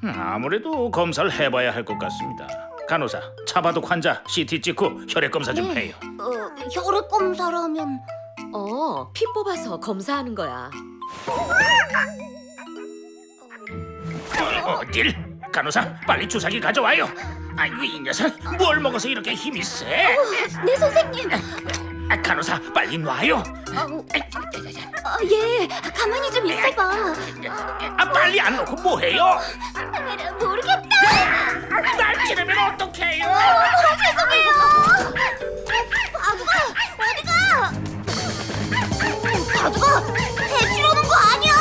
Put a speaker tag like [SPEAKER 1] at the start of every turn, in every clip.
[SPEAKER 1] 아무래도 검사를 해봐야 할 것 같습니다. 간호사, 차바둑 환자 CT 찍고 혈액 검사 좀 해요.
[SPEAKER 2] 혈액 검사라면
[SPEAKER 3] 피 뽑아서 검사하는 거야.
[SPEAKER 1] 어딜? 간호사, 빨리 주사기 가져와요. 아이고, 이 녀석 뭘 먹어서 이렇게 힘이 세?
[SPEAKER 2] 네 선생님.
[SPEAKER 1] 간호사, 빨리 놔요.
[SPEAKER 2] 예, 가만히 좀 있어봐.
[SPEAKER 1] 빨리 안 놓고 뭐해요?
[SPEAKER 2] 모르겠다.
[SPEAKER 1] 날 찌르면 어떡해요?
[SPEAKER 2] 죄송해요. 바두가 어디가? 바두가 해치려는 거 아니야.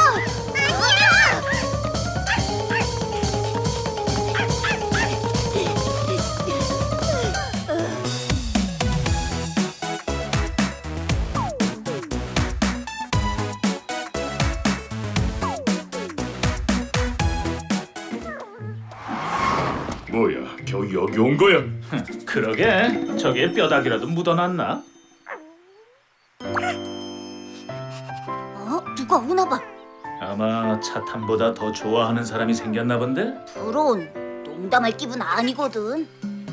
[SPEAKER 4] 뭐야, 겨우 여기 온 거야?
[SPEAKER 1] 그러게, 저기에 뼈다귀라도 묻어놨나?
[SPEAKER 2] 누가 오나 봐.
[SPEAKER 1] 아마 차탄보다 더 좋아하는 사람이 생겼나 본데?
[SPEAKER 2] 그런 농담할 기분 아니거든.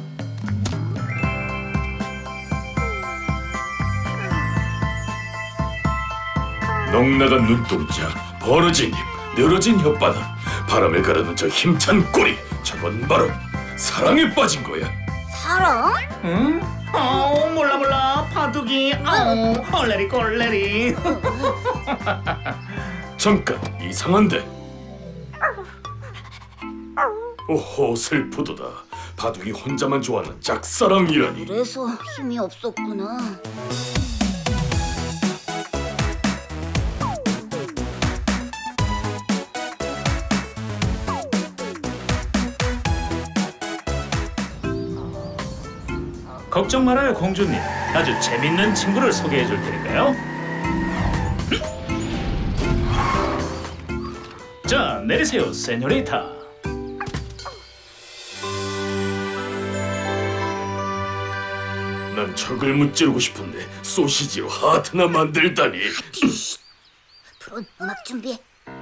[SPEAKER 4] 넉나간 눈동자, 벌어진 입, 늘어진 혓바닥, 바람을 가르는 저 힘찬 꼬리, 저건 바로 사랑에 빠진 거야.
[SPEAKER 2] 사랑?
[SPEAKER 1] 응? 몰라 바둑이 얼레리 꼴레리.
[SPEAKER 4] 잠깐, 이상한데. 오호, 슬프도다. 바둑이 혼자만 좋아하는 짝사랑이라니.
[SPEAKER 2] 그래서 힘이 없었구나.
[SPEAKER 1] 걱정 말아요, 공주님. 아주 재밌는 친구를 소개해 줄 테니까요. 자, 내리세요, 세뇨리타.
[SPEAKER 4] 난 적을 무찌르고 싶은데 소시지로 하트나 만들다니.
[SPEAKER 2] 프론, 음악 준비해.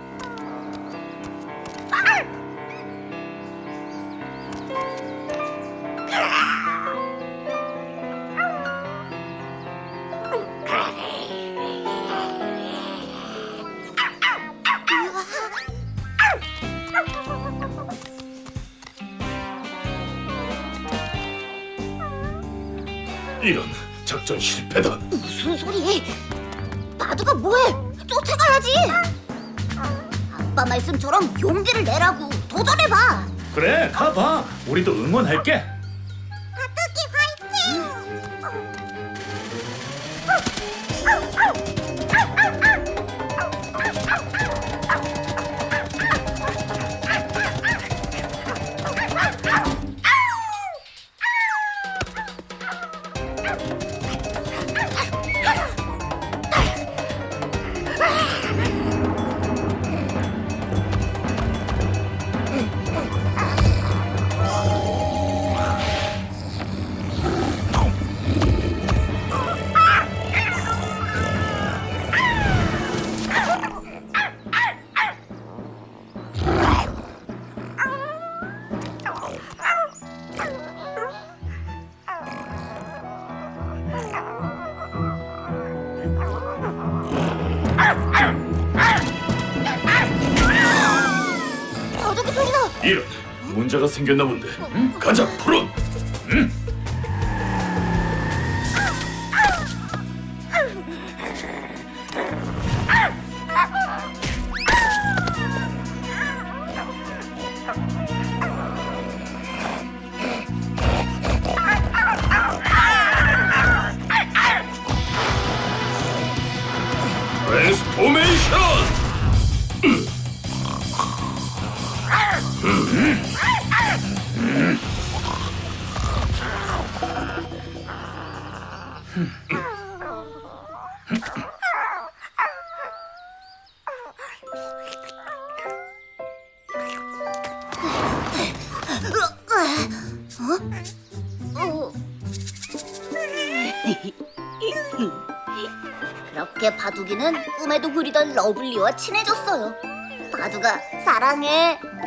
[SPEAKER 4] 이런, 작전 실패다.
[SPEAKER 2] 무슨 소리? 바두가 뭐해? 쫓아가야지. 아빠 말씀처럼 용기를 내라고. 도전해봐.
[SPEAKER 1] 그래, 가봐. 우리도 응원할게.
[SPEAKER 2] 바둑이 화이팅! 바둑이 소리나.
[SPEAKER 4] 이런, 문제가 생겼나 본데. 가자, 프론. 트랜스포메이션!
[SPEAKER 2] 그렇게 바둑이는 꿈에도 그리던 러블리와 친해졌어요. 바둑아, 사랑해.